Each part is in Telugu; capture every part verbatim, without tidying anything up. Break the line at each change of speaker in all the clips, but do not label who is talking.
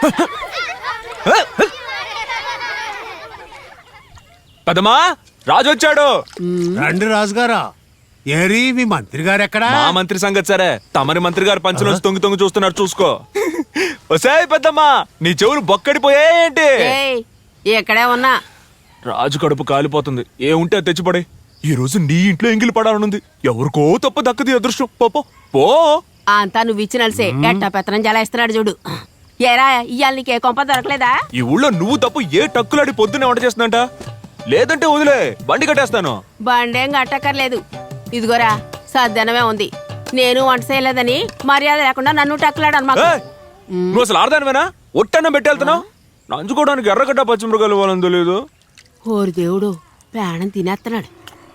పెద్దమ్మా రాజు వచ్చాడు.
రండి రాజుగారా. ఏరి మీ మంత్రి గారు ఎక్కడా?
మా మంత్రి సంగతి సరే, తమరి మంత్రి గారు పంచలోంచి తొంగి తొంగి చూస్తున్నారు, చూసుకో. ఒసేయ్ పెద్దమ్మా, నీ చెవులు బొక్కడిపోయేంటి?
ఎక్కడే ఉన్నా
రాజు కడుపు కాలిపోతుంది. ఏ ఉంటే అది తెచ్చిపడే. ఈ రోజు నీ ఇంట్లో ఎంగిలి పడాలనుంది. ఎవరికో తప్ప దక్కది అదృష్టం. పోపో పో.
అంతా నువ్వు ఇచ్చినల్సే ఎట్టా పెత్తనం జలాయిస్తున్నాడు చూడు. ఏరా ఇవాళ నీకే కొంప దొరకలేదా?
ఈ ఊళ్ళో నువ్వు తప్పు ఏ టక్కులాడి పొద్దున్నే వంట చేస్తుందంట. లేదంటే వదిలే, బండి కట్టేస్తాను.
బండేం గట్టక్కర్లేదు. ఇదిగోరా సద్దనమే ఉంది. నేను వంట చేయలేదని మర్యాద లేకుండా నన్ను టక్కులాడను మాకు.
నువ్వు అసలు ఆడదానివేనా? ఒట్టన్నం పెట్టేళ్తున్నావు. నంచుకోవడానికి ఎర్రగడ్డ పచ్చిమిరకాయలు ఇవ్వాలని తెలియదు.
ఓరి దేవుడు, ప్రాణం తినేస్తున్నాడు.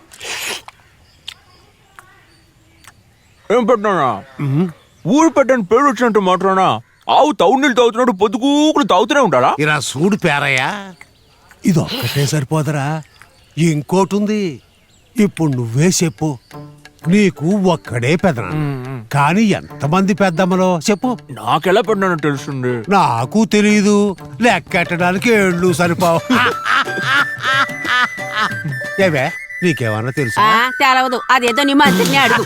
ఏం పెట్టినా ఊరు పెట్టని పేరు వచ్చినట్టు మాట్లాడా? ఆవు తౌడు నీళ్ళు తాగుతున్నాడు, పొద్దుగూకులు తాగుతూనే ఉంటాడా?
ఇలా సూడు పేరయ్యా, ఇది ఒక్కటే సరిపోదరా, ఇంకోటి ఉంది. ఇప్పుడు నువ్వే చెప్పు. నీకు ఒక్కడే పెదన, కానీ ఎంతమంది పెద్దమ్మలో చెప్పు.
నాకెలా పెట్టినా తెలుస్తుంది?
నాకు తెలీదు. లెక్కెట్టడానికి ఏళ్ళు సరిపోవు. ఏవే నీకేమన్నా తెలుసు?
ఆ తెలవదు, అదేదో నీ మంత్రిని అడుగు.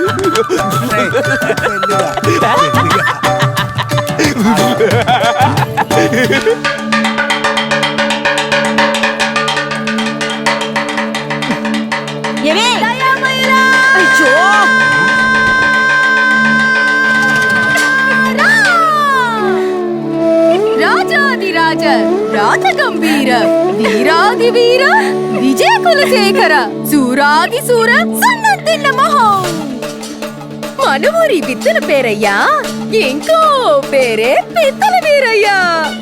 రాజాదిరాజ రాజ గంభీర వీరాది వీర విజయ కులశేఖర సూరాది సూర సన్నతిన్న మహో మనవూరి బిత్తల పేరయ్యా, ఇంకో పేరే పిత్తల వీరయ్యా.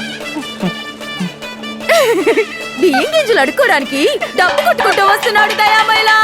బియ్యం గింజలు అడుక్కోడానికి డబ్బు కొట్టుకుంటూ వస్తున్నాడు దయామైలా.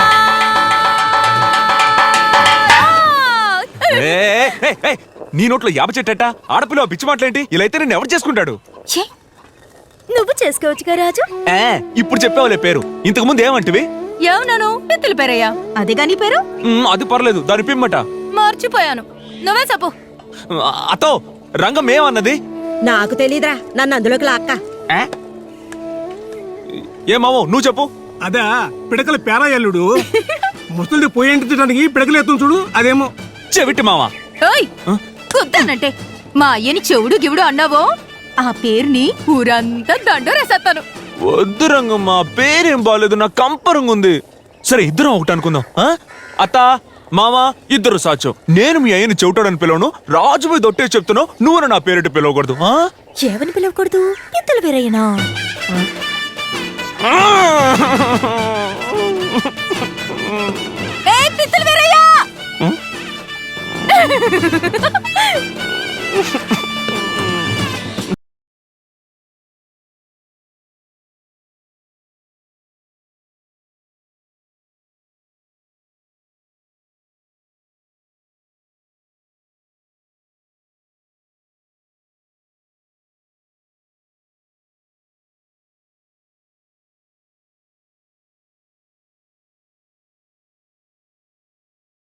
నీ నోట్లో యాప చెట్టట, ఆడపిల్ల పిచ్చి మాటలేంటి? ఇలా అయితే నేను ఎవరు చేసుకుంటాడు?
నువ్వు చేసుకోవచ్చుగా రాజు.
ఇప్పుడు చెప్పావులే పేరు, ఇంతకు ముందు ఏమంటివి?
ఏమన్నాను? పిత్తల పేరయ్యా. అదేగా నీ పేరు?
అది పర్లేదు, దాని పిమ్మట
మర్చిపోయాను. నువ్వే చెప్పు.
అతో రంగం ఏమన్నది?
నాకు తెలీదురా, నన్ను అందులోకి లాక్క.
ఏమావో నువ్వు చెప్పు.
అదా పిడకల పేరాయల్లుడు ముసలి పోయేంటికి పిడకలు ఎత్తును చూడు, అదేమో
చెవిటి మావా.
కుద్దానంటే మా అయ్యని చెవుడు గివుడు అన్నావో ఆ పేరుని ఊరంతా దండోరేసేస్తాను.
వద్దు రంగమ్మ, పేరేం బాగాలేదు, నాకు కంపరంగా ఉంది. సరే ఇద్దరం ఒకటి అనుకుందాం. అత్త మామా ఇద్దరు సాక్ష్యం. నేను మీ అయ్యని చెవిటాడని పిలవను, రాజుపోయి దొట్టే చెప్తున్నావు, నువ్వు నా పేరిటి పిలవకూడదు.
ఏమని పిలవకూడదు? పిత్తల పేరయ్యనా?
ఆ